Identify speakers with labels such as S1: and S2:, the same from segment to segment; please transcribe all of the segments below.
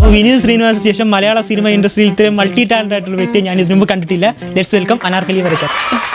S1: വിനീത് ശ്രീനിവാസിന് ശേഷം മലയാള സിനിമ ഇൻഡസ്ട്രിയിൽ ഇത്രയും മൾട്ടി ടാലന്റ് ആയിട്ടുള്ള വ്യക്തിയെ ഞാൻ ഇതിനു മുമ്പ് കണ്ടിട്ടില്ല. ലെറ്റ്സ് വെൽക്കം അനാർക്കലി വരയ്ക്കാൻ.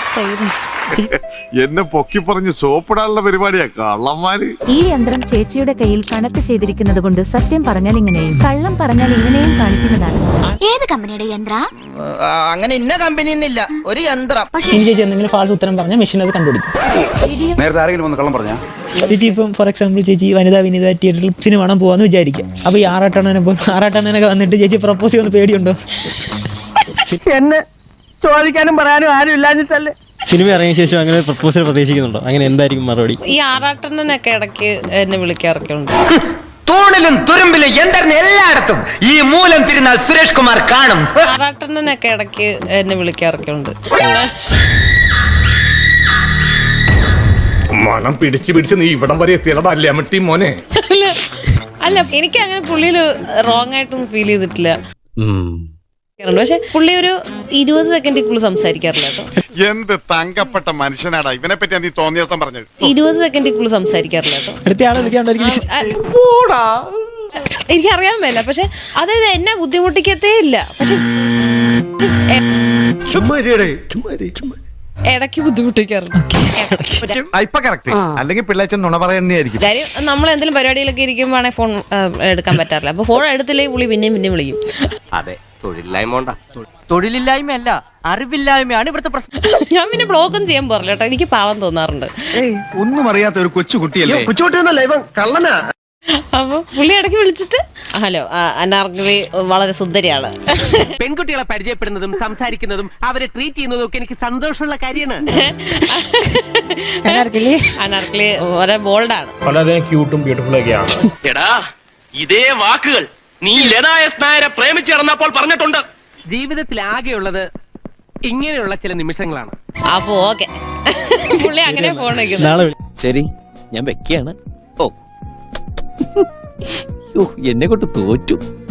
S2: എന്നെ പൊക്കി പറഞ്ഞ് സോപ്പിടാനുള്ള പരിപാടിയാ കള്ളന്മാര്.
S3: ഈ യന്ത്രം ചേച്ചിയുടെ കയ്യിൽ കണക്ട് ചെയ്തിരിക്കുന്നത് കൊണ്ട് സത്യം പറഞ്ഞാൽ ഇങ്ങനെയും കള്ളം പറഞ്ഞാൽ ഇങ്ങനെയും കാണിക്കുന്നതാണ്.
S4: ഏത് കമ്പനിയുടെ യന്ത്ര?
S5: അങ്ങനെ ഇന്ന കമ്പനി ഇല്ല, ഒരു യന്ത്രം.
S1: ഇനി ചേച്ചി എന്തെങ്കിലും ഫാൾസ് ഉത്തരം പറഞ്ഞാൽ മെഷീൻ അത് കണ്ടുപിടിക്കും.
S6: നേരത്തെ ആരെങ്കിലും വന്ന് കള്ളം പറഞ്ഞാ
S1: ചേച്ചി ഇപ്പം ഫോർ എക്സാമ്പിൾ ചേച്ചി വനിതാ തിയേറ്ററിൽ സിനിമ കാണാൻ പോകാന്ന് വിചാരിക്കാം. അപ്പൊ ഈ ആറാട്ടണ്ണനൊക്കെ വന്നിട്ട് ചേച്ചി പ്രപ്പോസ് ചെയ്യുന്ന പേടിയുണ്ടോ?
S5: എന്നെ ചോദിക്കാനും പറയാനും ആരും ഇല്ലാഞ്ഞിട്ടല്ലേ.
S7: സിനിമ ഇറങ്ങിയ ശേഷം അങ്ങനെ പ്രപ്പോസൽ പ്രതീക്ഷിക്കുന്നുണ്ടോ? അങ്ങനെ എന്തായിരിക്കും മറുപടി?
S8: ഈ ആറാട്ടണ്ണനൊക്കെ ഇടയ്ക്ക് എന്നെ വിളിക്കാറൊക്കെ ഉണ്ട്.
S5: തൂണിലും തുരുമ്പിലും യന്ത്രം എല്ലായിടത്തും ഈ മൂലം തിരുനാൾ സുരേഷ് കുമാർ കാണും.
S8: ആറാട്ടണ്ണനൊക്കെ ഇടയ്ക്ക് എന്നെ വിളിക്കാറൊക്കെ ഉണ്ട്.
S9: മണം പിടിച്ച് നീ ഇവിടം വരെ എത്തിയടാ അല്ലേ മോനെ.
S8: അല്ല എനിക്ക് അങ്ങനെ പുള്ളിയിൽ റോങ് ആയിട്ടൊന്നും ഫീൽ ചെയ്തിട്ടില്ല. പക്ഷെ പുള്ളി ഒരു 20 സെക്കൻഡിൽ സംസാരിക്കാറില്ല കേട്ടോ.
S2: എന്ത് തങ്കപ്പെട്ട മനുഷ്യനാടാ ഇവനെ പറ്റി നീ തോന്നിയ ദിവസം പറഞ്ഞത്.
S8: 20 സെക്കൻഡിൽ സംസാരിക്കാറില്ല കേട്ടോ.
S1: അടുത്ത ആളെ വിളിക്കാണ്ടായിരിക്കും.
S8: എനിക്കറിയാൻ മേല, പക്ഷെ അതായത് എന്നെ ബുദ്ധിമുട്ടിക്കത്തേ ഇല്ല. പക്ഷെ ഇടയ്ക്ക് ബുദ്ധിമുട്ടിക്കാറുണ്ട്.
S6: അല്ലെങ്കിൽ പിള്ളേച്ചൻ നുണ പറയുന്നതായിരിക്കും.
S8: കാര്യം നമ്മൾ എന്തെങ്കിലും പരിപാടിയിലൊക്കെ ഇരിക്കുമ്പോഴാണെങ്കിൽ ഫോൺ എടുക്കാൻ പറ്റാറില്ല. അപ്പൊ ഫോൺ എടുത്തില്ലെങ്കിൽ പുള്ളി പിന്നെയും വിളിക്കും.
S5: അതെ, തൊഴിലില്ലായ്മയല്ല, അറിവില്ലായ്മയാണ് ഇവിടുത്തെ പ്രശ്നം.
S8: ഞാൻ പിന്നെ ബ്ലോഗും ചെയ്യാൻ പോറില്ല കേട്ടോ. എനിക്ക് പാവം തോന്നാറുണ്ട്.
S6: ഒന്നും അറിയാത്ത ഒരു കൊച്ചു കുട്ടിയല്ലേ.
S5: കൊച്ചുകുട്ടിയൊന്നല്ല, ഇവൻ കള്ളനാ.
S8: അപ്പൊ പുള്ളി ഇടയ്ക്ക് വിളിച്ചിട്ട് ഹലോ അനാർക്കലി വളരെ സുന്ദരിയാണ്.
S5: പെൺകുട്ടികളെ പരിചയപ്പെടുന്നതും സംസാരിക്കുന്നതും അവരെ ട്രീറ്റ് ചെയ്യുന്നതും ഒക്കെ എനിക്ക് സന്തോഷമുള്ള കാര്യമാണ്.
S8: അനാർക്കലി വളരെ ബോൾഡാണ്.
S9: വളരെ ക്യൂട്ടും ബ്യൂട്ടിഫുൾ ഒക്കെയാണ്.
S10: എടാ ഇതേ വാക്കുകൾ നീ ലതായ നായരെ പ്രേമിച്ച് നടന്നപ്പോൾ പറഞ്ഞിട്ടുണ്ട്.
S5: ജീവിതത്തിൽ ആകെയുള്ളത് ഇങ്ങനെയുള്ള ചില നിമിഷങ്ങളാണ്.
S8: അപ്പൊ ഓക്കെ, പുള്ളി അങ്ങനെ ഫോൺ വയ്ക്കുന്നു.
S10: ശരി, ഞാൻ വെക്കുകയാണ്. ഓ എന്നെ കൊണ്ട് തോറ്റു.